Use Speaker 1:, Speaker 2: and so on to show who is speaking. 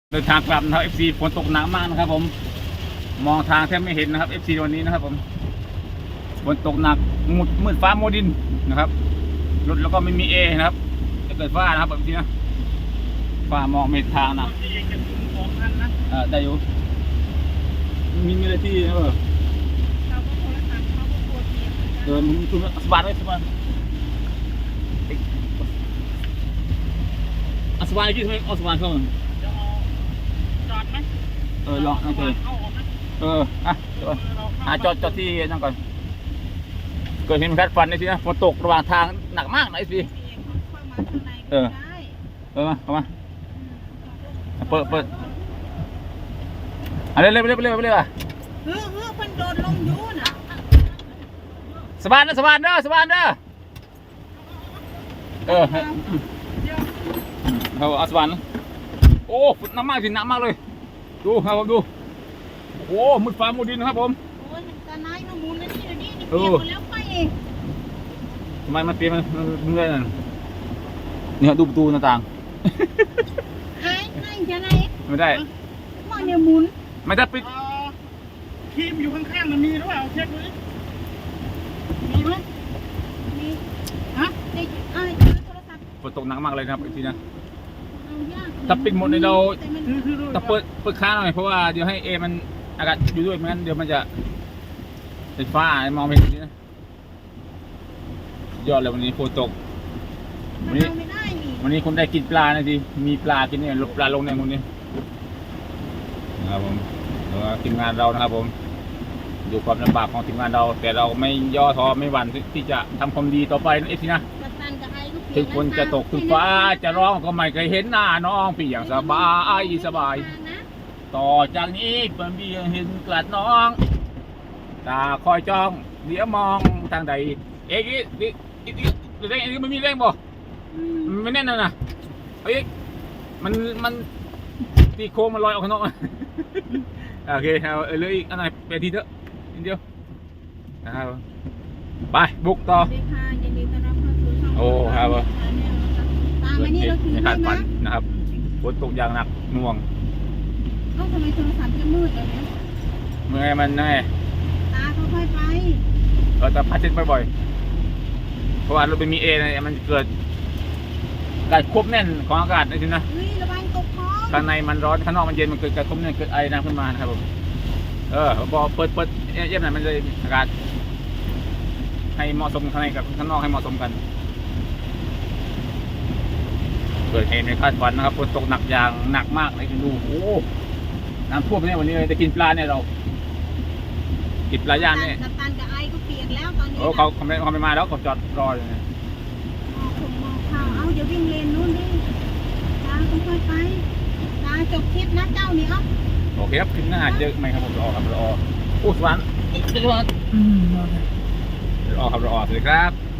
Speaker 1: เดินทางกลับนะครับ FC ฝนตกหนักมากนะครับผมมองทางแทบไม่เห็นนะครับ FC วันนี้นะครับผมฝนตกหนักมืดฟ้ามัวดินนะครับรถแล้วก็ไม่มีนะครับจะเกิดฟ้านะครับแบบนี้นะฟ้ามองไม่เห็นทางนะได้อยู่มีอะไรที่มึงคุณสบายเลยสบายสบายกี่ทำไมสบายเข้า
Speaker 2: จอดไหม
Speaker 1: ลองนั่งเลยจอดที่นั่งก่อนเกิดเห็นแพทฟันในที่นะฝนตกระหว่างทางหนักมากนะไอ้พี่เข้ามาเปิดอะไรเร็วอ่ะ
Speaker 2: มันโดนลงยูน่ะ
Speaker 1: สบายเด้อเอาสบายนะโอ้ฝนหนักมากสิหนักมากเลยดูครับผมดูโอ้มืดฟ้ามืดดินนะครับผม
Speaker 2: โอ้ยตาไนายมาหมุนแล้วนี่เปลี่ยนหมดแล้วไปเอง
Speaker 1: ทำไมมันเปลี่ยนมันเรื่อยเนี่ยดูประตูหน้าต่าง
Speaker 2: นั่นจะไหน
Speaker 1: ไม่ได้
Speaker 2: มาเนี่ยหมุน
Speaker 1: ไม่ได้ปิด
Speaker 2: ครีมอยู่ข้างๆมันมีหรือเปล่าเช็คเลยมีไหมมีฮะได้โทรศัพท์
Speaker 1: ฝนตกหนักมากเลยครับอีกทีนะถ้าปิดหมดในเราต้องเปิดค้างหน่อยเพราะว่าเดี๋ยวให้มันอากาศอยู่ด้วยไม่งั้นเดี๋ยวมันจะเป็นฟ้ามองไม่เห็นนี่นะยอดเลยวันนี้ฝนตกวันนี้คนได้กินปลานะทีมีปลากินเนี่ยลบปลาลงในคนนี้นะครับผมทีมงานเรานะครับผมดูความลำบากของทีมงานเราแต่เราไม่ย่อท้อไม่หวั่นที่จะทำความดีต่อไปนะเอฟซีนะถึงฝนจะตกถึงฟ้าจะร้องก็ไม่เคยเห็นหน้าน้องพี่อย่างสบายต่อจากนี้เปิ่นพี่เห็นกลัดน้องตาคอยจ้องเดี๋ยวมองทางใดอีกไม่มีแรงบ่ไม่แน่นนะมันตีโค้งมันลอยออกข้างนอกโอเคเอาเลยอีกอันไหนไปทีเถอะนิดเดียวนะครับไปบุกต่อโอ้ครับไม่คาดฝันนะครับฝนตกอย่างหนักหน่วง
Speaker 2: ทำไมโทรศัพท์จะมืดแบบนี้
Speaker 1: เมื่อไงมันแน่
Speaker 2: ตาค่อยๆไป
Speaker 1: แต่พัดเช็ดบ่อยๆเพราะว่ารถเป็นมีเนี่ยมันเกิดการควบแน่นของอากาศนี่นะ
Speaker 2: ระวังตกท้อง
Speaker 1: ข้างในมันร้อนข้างนอกมันเย็นมันเกิดการควบแน่นเกิดไอน้ำขึ้นมานะครับผมพอเปิดเยี่ยมหน่อยมันเลยอากาศให้เหมาะสมข้างในกับข้างนอกให้เหมาะสมกันเกิดเหตุในคาดฝันนะครับฝนตกหนักอย่างหนักมากเลยดูโอ้น้ำท่วมเนี่ยวันนี้เลยจะกินปลาเนี่ยเรากินปลาย่างเนี่ย
Speaker 2: กัปตันกับไอก็เปียกแล้วตอนนี้
Speaker 1: เขาไม่มาแล้วเขาจอดรอเลย
Speaker 2: เอาเดี๋ยววิ่งเลนนู้นดิตาค่อยๆไปตาจบคลิปนะเจ้านี่ครับ
Speaker 1: โอเคครับคลิปหน้าเจอไหมครับผมรอครับรอโอ้สวรรค์รอครับรอสวัสดีครับ